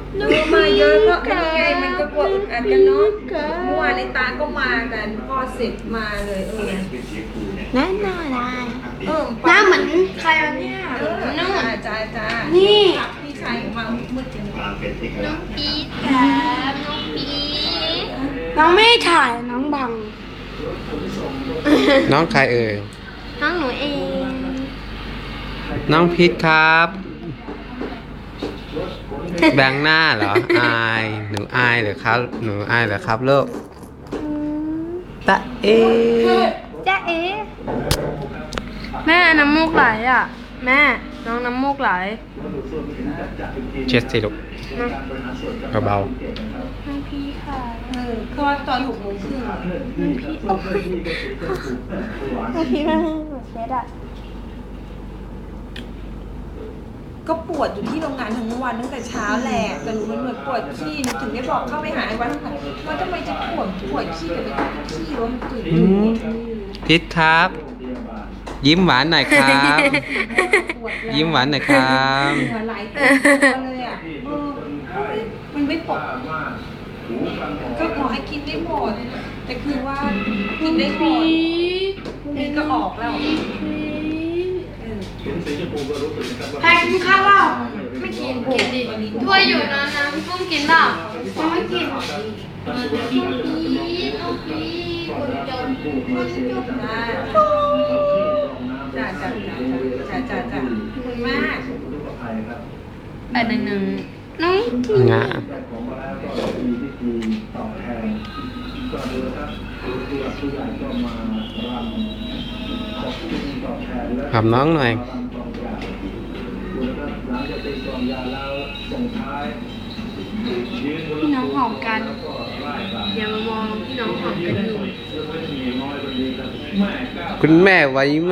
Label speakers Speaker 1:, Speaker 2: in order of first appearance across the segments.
Speaker 1: มาเยอะก็เป็นไงมันก็กลัวอึดอัดกันเนาะเมื่อวานในตาก็มากันพอเสร็จมาเลย
Speaker 2: แน่นอนได้ห
Speaker 1: ป้า
Speaker 2: น้าเหมือนใครวะเนี่ย
Speaker 1: นู่นจ้า
Speaker 2: นี่
Speaker 1: พี่ชายของมามืดจัง
Speaker 2: น้องปี๊ดครับน้องปี๊ดน้องไม่ถ่ายน้องบัง
Speaker 3: น้องใครเอ่ย
Speaker 2: น้องหนูเอง
Speaker 3: น้องพีทครับแบงหน้าเหรออายหนูอายเหรอครับหนูอายเหรอครับลูกตะเอ
Speaker 2: จ๊ะเอ๋แม่น้ำมูกไหลอ่ะแม่น้องน้ำมูกไหล
Speaker 3: เช็ดสิลูกเบา
Speaker 2: น้องพี่ค่ะ
Speaker 1: เขาว่าตอน6 โมงครึ่ง
Speaker 2: น้องพี่มันเช็ดอ่ะ
Speaker 1: ก็ปวดอยู่ที่โรงงานทั้งวันตั้งแต่เช้าแหละแต่หนูมันเหมือนปวดขี้ถึงได้บอกเข้าไปหาไอ้วันว่าทำไมจะปวดขี้กับไปขี้วะมันตื่น
Speaker 3: ๆพีทครับ ยิ้มหวานหน่อยครับ ยิ้มหวานหน่อยครับ
Speaker 1: เหงื่อไหลเต็มตัวเลยอ่ะมันไม่ปกก็ขอให้กินได้หมดแต่คือว่ากินได้หมดนี่ก็ออกแล้ว
Speaker 2: แพงกินข้าวเปล่าไม่กินกินดิถ้วยอยู่นะน้ำปุ้มกินเปล่ายังไม่กินพี่น้องพี่คนจนคนจน
Speaker 1: จ้าขอบคุณมาก
Speaker 2: 811น้องกิน
Speaker 3: งะหอมน้องหน่อย
Speaker 2: พี่น้องหอมกันอย่ามามองพี่น้องหอมกันอยู่
Speaker 3: คุณแม่ไหวไหม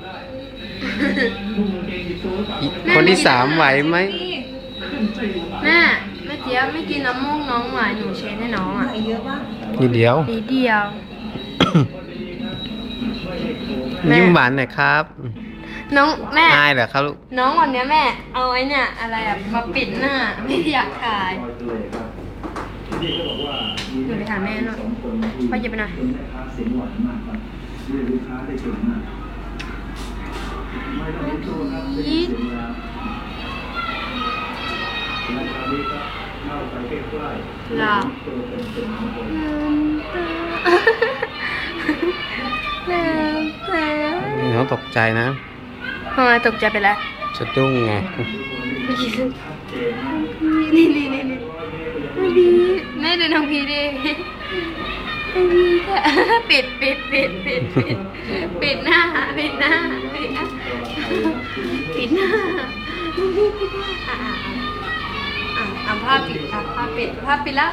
Speaker 3: คนที่3ไหวไหม
Speaker 2: แม่เจี๊ยบไม่กินน้ำมูกน้องหวานหนูเช็ดให้น้องอ่ะ
Speaker 1: เยอะป่ะ
Speaker 3: นิดเดียว
Speaker 2: นิดเดียว
Speaker 3: ยิ้มหวานหน่อยครับ
Speaker 2: น้องแม่
Speaker 3: อายเหรอครับลูก
Speaker 2: น้องวันเนี้ยแม่เอาไอ้เนี่ยอะไรอะมาปิดหน้าไม่อยากถ่ายหนูไปถามแม่หน่อยพ่อหยิบไปหน่อยยีดหลับ
Speaker 3: น้องตกใจนะ
Speaker 2: ทำไมตกใจไปแล้ว
Speaker 3: สะดุ้งไง
Speaker 2: นี่พีแม่ดูน้องพีดิพีค่ะปิดหน้าปิดหน้าผ้าปิดแล้ว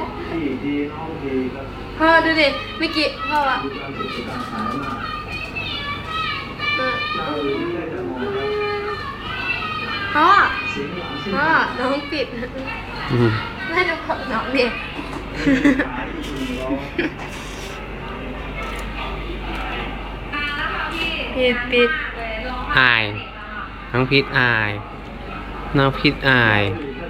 Speaker 2: พ่อดูดิเมื่อกี้พ่ออะพ่อน้องปิดแม่ดูของน้องดิปิด
Speaker 3: อายน้องพีทอายน้องพีทอาย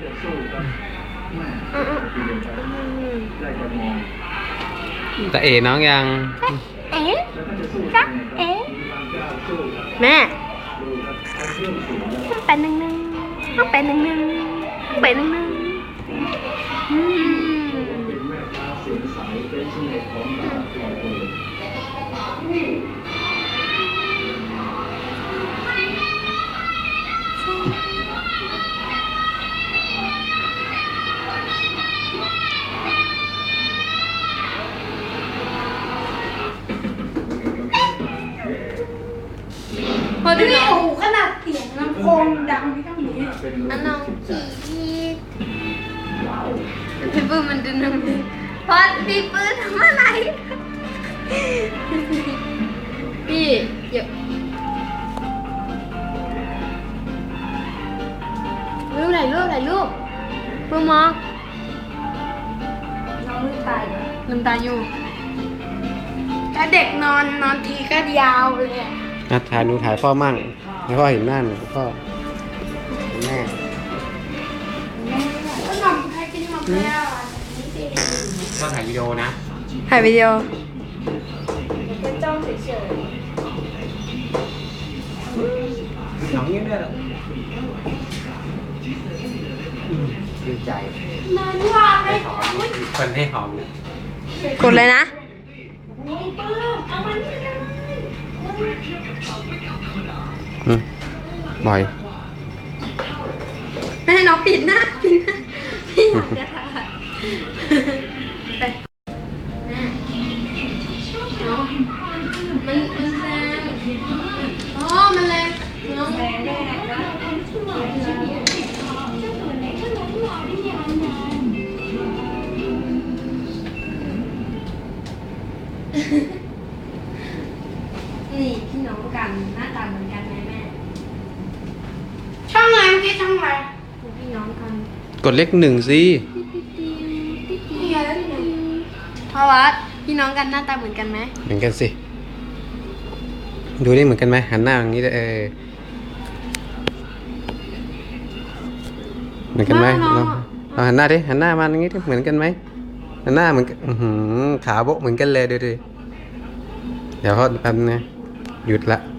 Speaker 3: แต่เอ๋น้องยัง
Speaker 2: เอ๊ะจ๊ะเอ๊ะแม่เป็นหนึ่งพอดูน้องขนาดเสียงลำโพงดังไม่ต้องนี้อันน้องพี่ปื้มมันดูน้องพอพี่ปื้มทำอะไรพี่เดี๋ยวรูปปื้มมองน้องลืมตาอยู่ถ้าเด็กนอนทีก็ยาวเลย
Speaker 3: ถ่ายหนูถ่ายพ่อมั่งให้พ่อเห็นหน้าหนูพ่อแม่
Speaker 2: ก็นอนแล้วอ่ะ
Speaker 3: ก็ถ่ายวิดีโอนะ
Speaker 4: ถ่ายวิดีโอ
Speaker 2: แค่จ้องเฉย
Speaker 3: น้องยิ้มด้วยเหรอดีใจ
Speaker 2: ๆนานว่าเล
Speaker 3: ให้
Speaker 2: ย
Speaker 3: หอมคนให้หอมเลย
Speaker 4: กดเลยนะ
Speaker 3: บ่อย
Speaker 4: ไม่ให้น้องปิดหน้าปิดหน้าพี่อยากจะถ่ายไป
Speaker 2: มันแรงอ๋อมันแรงน้องแรงแรงนะ
Speaker 4: นี่พี่น้องกันหน้าตาเหมือนกันไหมแม่
Speaker 2: ช่องไหนเมื่อกี้ช่องไหน
Speaker 4: พี่น้องกัน
Speaker 3: กดเลข 1สิ
Speaker 2: นี่ไงแล้วที่ไหน
Speaker 4: พ่อวัดพี่น้องกันหน้าตาเหมือนกันไหม
Speaker 3: เหมือนกันสิ ดูนี่เหมือนกันไหมหันหน้าอย่างนี้เลยเหมือนกันไหมเราหันหน้าดิหันหน้ามาอย่างนี้ดิเหมือนกันไหมหันหน้าเหมือนกันขาโบ๊ะเหมือนกันเลยดูดิเดี๋ยวเขาแป๊บนึงนะหยุดละ